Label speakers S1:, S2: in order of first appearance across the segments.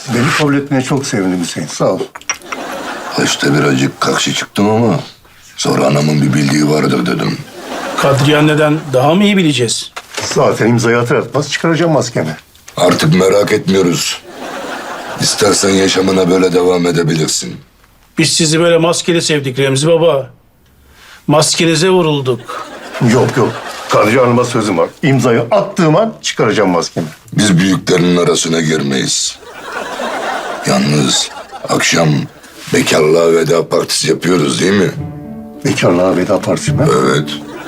S1: Beni kabul etmeye çok sevindim Hüseyin. Sağ ol.
S2: Başta birazcık karşı çıktım ama sonra anamın bir bildiği vardır dedim.
S3: Kadriye anneden daha mı iyi bileceğiz?
S1: Zaten imzayı atar atmaz çıkaracağım maskemi.
S2: Artık merak etmiyoruz. İstersen yaşamına böyle devam edebilirsin.
S3: Biz sizi böyle maskeli sevdik Remzi Baba. Maskenize vurulduk.
S1: Yok yok. Kadriye Hanım'a sözüm var. İmzayı attığım an çıkaracağım maskemi.
S2: Biz büyüklerin arasına girmeyiz. Yalnız akşam bekarlığa veda partisi yapıyoruz değil mi?
S1: Bekarlığa veda partisi mi?
S2: Evet.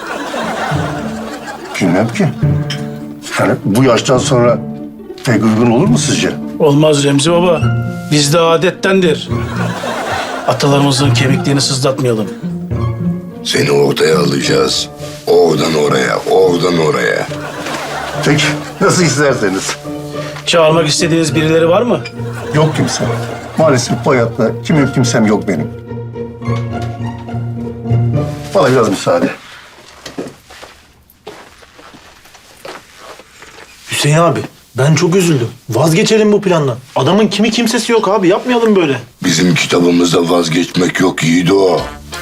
S1: Bilmem ki. Yani bu yaştan sonra pek uygun olur mu sizce?
S3: Olmaz Remzi Baba. Bizde adettendir. Atalarımızın kemiklerini sızlatmayalım.
S2: Seni ortaya alacağız. Oradan oraya, oradan oraya.
S1: Peki nasıl isterseniz.
S3: Çağırmak istediğiniz birileri var mı?
S1: Yok kimse. Maalesef bu hayatta kimsem yok benim. Bana biraz müsaade.
S4: Hüseyin abi, ben çok üzüldüm. Vazgeçelim bu plandan. Adamın kimi kimsesi yok abi, yapmayalım böyle.
S2: Bizim kitabımızda vazgeçmek yok Yiğido.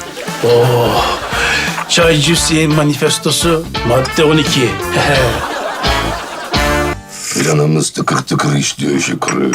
S3: Çaycı Hüseyin manifestosu madde 12.
S2: Planımız tıkır tıkır işliyor Şükrü.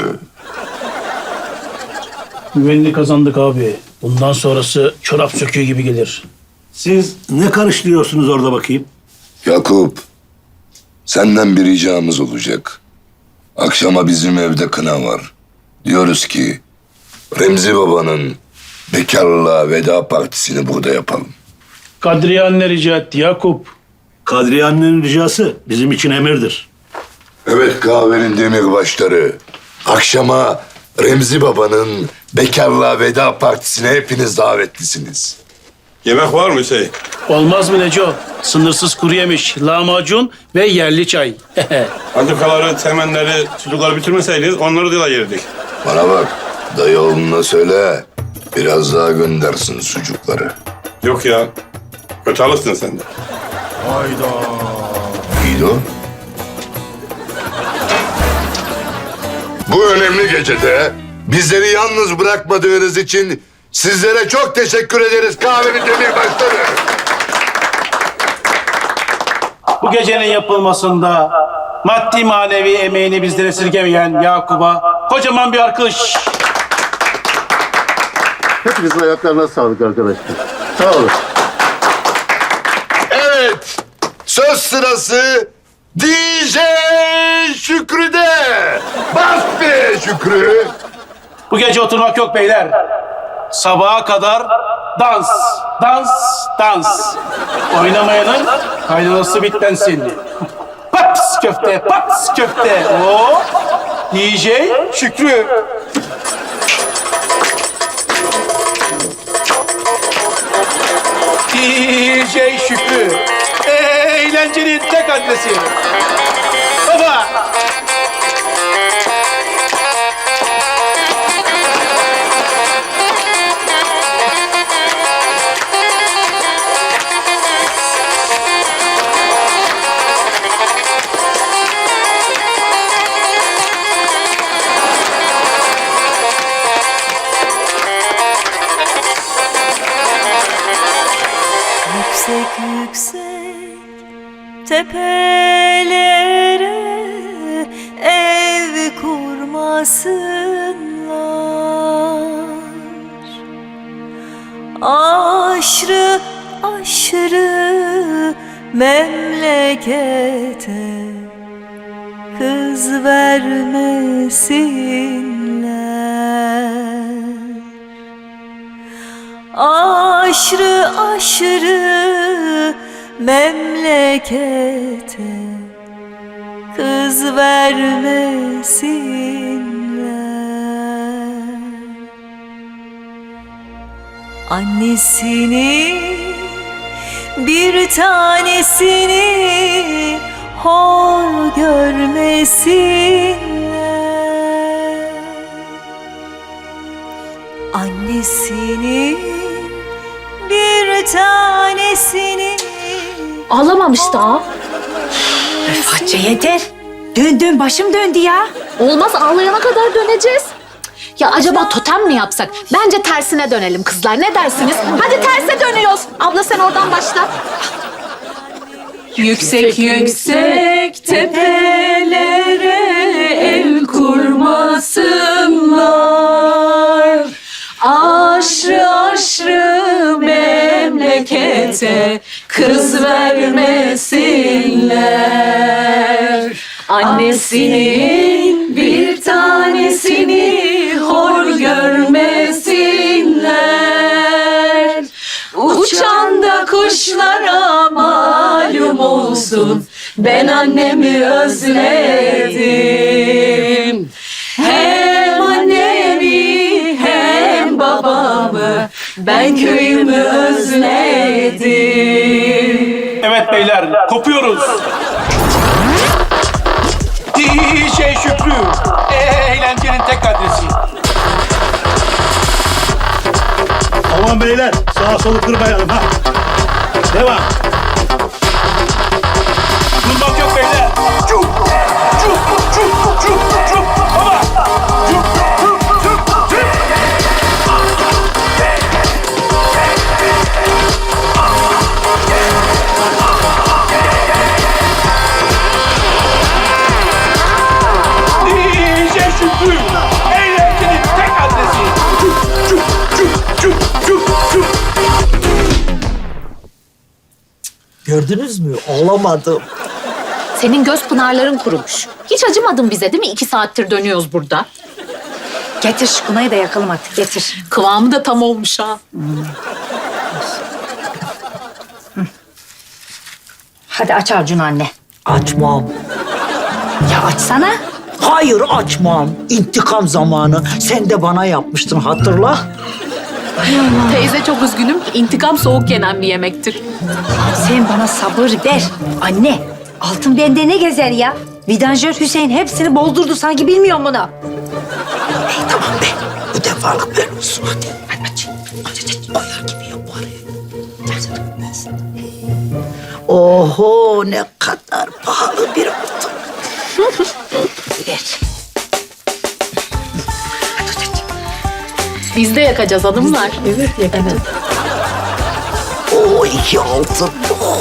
S3: Güvenini kazandık abi. Bundan sonrası çorap söküğü gibi gelir.
S5: Siz ne karıştırıyorsunuz orada bakayım?
S2: Yakup, senden bir ricamız olacak. Akşama bizim evde kına var. Diyoruz ki Remzi Baba'nın bekarlığa veda partisini burada yapalım.
S3: Kadriye anne rica etti Yakup.
S5: Kadriye annenin ricası bizim için emirdir.
S2: Evet kahvenin demirbaşları. Akşama Remzi Baba'nın bekarlığa veda partisine hepiniz davetlisiniz.
S6: Yemek var mı Hüseyin?
S3: Olmaz mı Neco? Sınırsız kuru yemiş, lahmacun ve yerli çay.
S6: Antikaları, temenleri, çocukları bitirmeseydiniz onları da yerdik.
S2: Bana bak, dayı oğluna söyle. Biraz daha göndersin sucukları.
S6: Yok ya, kötü alırsın sen de.
S2: Yiğido. Bu önemli gecede bizleri yalnız bırakmadığınız için sizlere çok teşekkür ederiz kahvenin demirbaşları.
S3: Bu gecenin yapılmasında maddi manevi emeğini bizden esirgemeyen Yakup'a kocaman bir alkış.
S1: Hepinizin ayaklarına sağlık arkadaşlar. Sağ olun.
S2: Evet, söz sırası DJ Şükrü'de. Bas be Şükrü.
S3: Bu gece oturmak yok beyler. Sabaha kadar dans, dans, dans. Oynamayanın kaynanası bitlensin. Pats köfte, pats köfte. O DJ Şükrü. DJ Şükrü. Eğlencenin tek adresi. Baba.
S7: Yüksek yüksek tepelere ev kurmasınlar. Aşrı aşrı memlekete kız vermesinler. Aşrı aşrı memlekete kız vermesinler. Annesini bir tanesini hor görmesinler. Annesini bir tanesini
S8: Ağlamamış daha.
S9: Hatice yeter.
S8: Dön başım döndü ya.
S9: Olmaz, ağlayana kadar döneceğiz. Ya acaba totem mi yapsak? Bence tersine dönelim kızlar. Ne dersiniz? Hadi terse dönüyoruz. Abla sen oradan başla.
S7: Yüksek yüksek tepelere el kurmasınlar. Aşrı aşrı memlekete kız vermesinler. Annesinin bir tanesini hor görmesinler. Uçan da kuşlara malum olsun, ben annemi özledim. Hem annemi hem babamı, ben köyümü özledim.
S3: Evet beyler, kopuyoruz. DJ Şükrü, eğlencenin tek adresi.
S5: Aman beyler sağa solu kırmayalım ha. Devam.
S3: Durmak yok beyler. Çuk, çuk, çuk, çuk, çuk. Baba. Çuk, çuk, çuk, çuk. DJ Şükrü, eğlencenin tek adresi. Çuk, çuk, çuk, çuk, çuk, çuk.
S8: Gördünüz mü? Olamadım.
S9: Senin göz pınarların kurumuş. Hiç acımadın bize değil mi? 2 saattir dönüyoruz burada.
S8: Getir şu kınayı da yakalım artık, getir.
S9: Kıvamı da tam olmuş ha.
S8: Hadi aç Arjun anne. Açmam. Ya açsana. Hayır açmam. İntikam zamanı. Sen de bana yapmıştın, hatırla.
S9: Teyze çok üzgünüm. İntikam soğuk yenen bir yemektir.
S8: Sen bana sabır ver. Anne, altın bende ne gezer ya? Vidanjör Hüseyin hepsini bozdurdu, sanki bilmiyorum bunu. Tamam be. Bu defalık ver olsun hadi. Hadi aç. Aç. Oyar gibi yap bari. Oho, ne kadar pahalı bir altın. Ver.
S9: Biz de yakacağız hanımlar.
S8: Evet, yakacağız. Oo, 2 altın. Oh.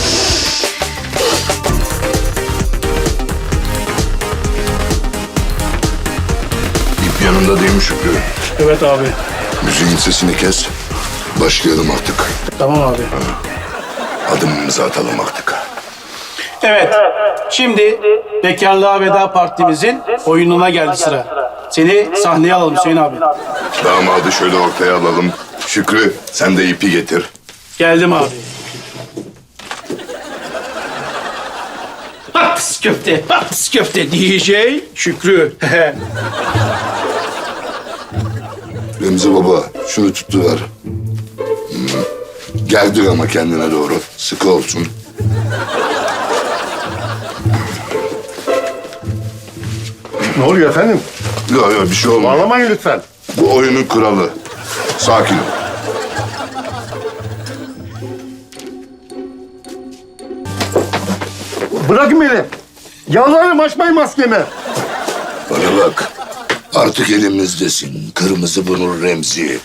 S2: İp yanında değil mi Şükrü?
S3: Evet abi.
S2: Müziğin sesini kes. Başlayalım artık.
S3: Tamam abi.
S2: Adımımızı atalım artık.
S3: Evet, şimdi Bekarlığa Veda Partimizin oyununa geldi sıra. Seni sahneye alalım Hüseyin abi.
S2: Damadı şöyle ortaya alalım. Şükrü sen de ipi getir.
S3: Geldim abi. Paps köfte, paps köfte DJ Şükrü.
S2: Remzi baba şunu tuttuver. Geldir ama kendine doğru. Sıkı olsun.
S1: Ne oluyor efendim?
S2: Yok bir şey olmaz.
S1: Bağlamayın lütfen.
S2: Bu oyunun kuralı. Sakin ol.
S1: Bırakın beni. Yalvarırım, açmayın maskemi.
S2: Bana bak. Artık elimizdesin. Kırmızı burnu Remzi.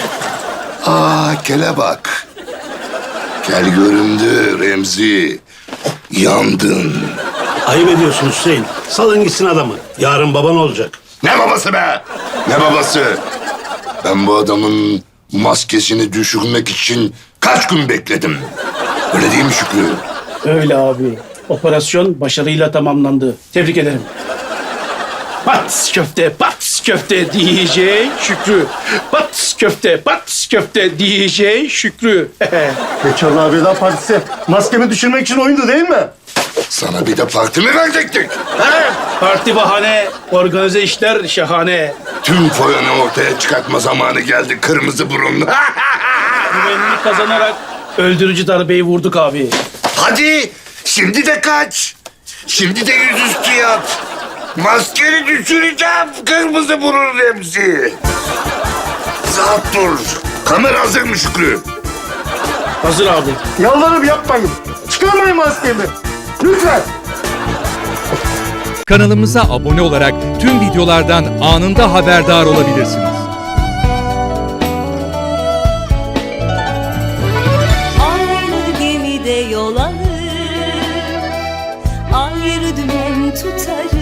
S2: Kele bak. Kel göründü Remzi. Yandın.
S5: Ayıp ediyorsun Hüseyin. Salın gitsin adamı. Yarın baban olacak.
S2: Ne babası be? Ne babası? Ben bu adamın maskesini düşürmek için kaç gün bekledim. Öyle değil mi Şükrü?
S3: Öyle abi. Operasyon başarıyla tamamlandı. Tebrik ederim. Pats köfte, pats köfte DJ Şükrü. Pats köfte, pats köfte DJ Şükrü.
S1: Bekarlığa Veda Partisi maskemi düşürmek için oyundu değil mi?
S2: Sana bir de parti mi verecektik?
S3: Parti bahane, organize işler şahane.
S2: Tüm foyanı ortaya çıkartma zamanı geldi kırmızı burunlu.
S3: Güvenliği kazanarak öldürücü darbeyi vurduk abi.
S2: Hadi şimdi de kaç. Şimdi de yüzüstü yat. Maskeni düşüreceğim kırmızı burun Remzi. Rahat dur. Kamera hazır mı Şükrü?
S3: Hazır abi.
S1: Yalvarırım, yapmayın. Çıkarmayın maskemi. Lütfen.
S10: Kanalımıza abone olarak tüm videolardan anında haberdar olabilirsiniz.
S7: Aynı gemide yol alır, ayrı dümen tutarız.